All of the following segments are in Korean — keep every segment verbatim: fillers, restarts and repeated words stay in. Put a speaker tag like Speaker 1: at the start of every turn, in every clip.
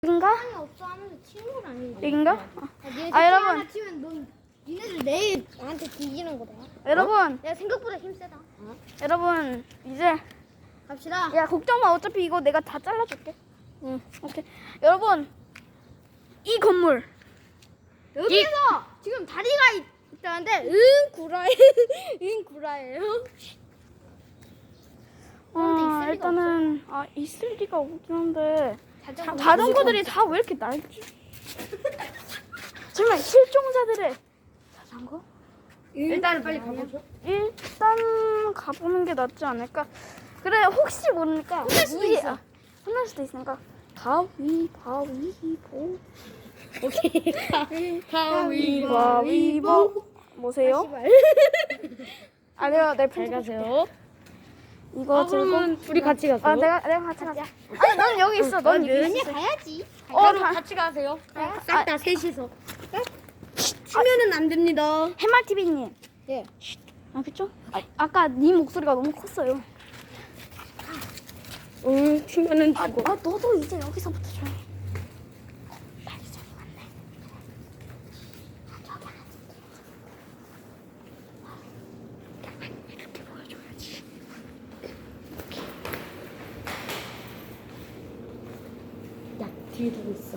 Speaker 1: 여긴가?
Speaker 2: 사람이 없어 하면서 친구는 아니지.
Speaker 1: 여긴가?
Speaker 2: 아, 니네
Speaker 1: 아, 여러분.
Speaker 2: 하나 치면 넌 니네들 내일 나한테 뒤지는 거다.
Speaker 1: 여러분,
Speaker 2: 내가 생각보다 힘 세다.
Speaker 1: 여러분 이제
Speaker 2: 갑시다.
Speaker 1: 야 걱정 마. 어차피 이거 내가 다 잘라줄게. 응, 오케이. 여러분 이 건물
Speaker 2: 여기서 지금 다리가 있, 있다는데 응 구라예. 응 구라예요.
Speaker 1: 어,
Speaker 2: 있을 리가
Speaker 1: 일단은 아 있을 리가 없긴 한데
Speaker 2: 자전거
Speaker 1: 자전거들이 다 왜 이렇게 낡지? 정말 실종자들의 자전거?
Speaker 2: 일단은 빨리 가보죠.
Speaker 1: 일단 가보는 게 낫지 않을까? 그래 혹시 모르니까
Speaker 2: 혼날 수도
Speaker 1: 이-
Speaker 2: 있어.
Speaker 1: 아, 혼날 수도 있으니까 가위 바위보
Speaker 2: 오케이.
Speaker 1: 가위바위보 뭐세요? 아니요 내
Speaker 3: 잘
Speaker 1: 편집
Speaker 3: 가세요.
Speaker 1: 이거
Speaker 3: 아,
Speaker 1: 들고
Speaker 3: 그러면 둘이 같이 가세요.
Speaker 1: 아 내가 내가 같이 가자. 아니 넌 여기 있어. 넌 여기
Speaker 2: 면이
Speaker 1: 있어.
Speaker 2: 가야지.
Speaker 1: 어,
Speaker 3: 그럼
Speaker 1: 다,
Speaker 3: 같이 가세요.
Speaker 2: 싹 다 셋이서. 치면은 안 됩니다.
Speaker 1: 해말티비님.
Speaker 2: 예.
Speaker 1: 아 그쵸? 아, 아까 네 목소리가 너무 컸어요.
Speaker 3: 응, 치면은
Speaker 1: 아,
Speaker 3: 죽어.
Speaker 1: 아 너도 이제 여기서부터 조용히. 빨리 저기 왔네. 아, 저기 안 이렇게. 이렇게 보여줘야지.
Speaker 3: 야, 뒤에 두고 있어.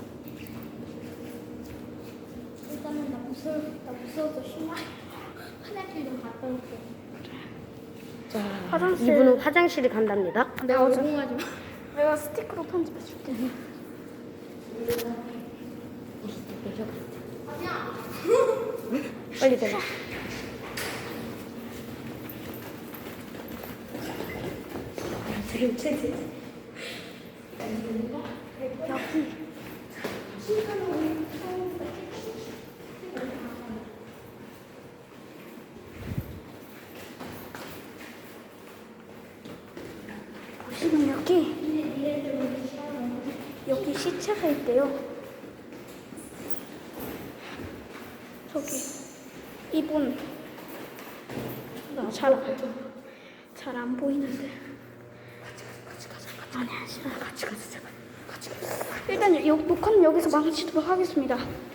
Speaker 2: 일단은 나 무서워. 나 무서워서 신나. 화장실 좀 갔다 올게.
Speaker 3: 자,
Speaker 1: 화장실.
Speaker 3: 이분은 화장실에 간답니다.
Speaker 1: 내가 어제
Speaker 2: 오공하지 마.
Speaker 1: 내가 스티커로 편집해줄게.
Speaker 3: 빨리 대봐.
Speaker 1: 보시면 여기 여기 시체가 있대요. 저기 이분 잘잘 안 보이는데 같이 가자. 같이 가자. 아니야, 싫어. 같이 가자. 제발. 같이 가자. 일단 여, 녹화는 여기서 마치도록 하겠습니다.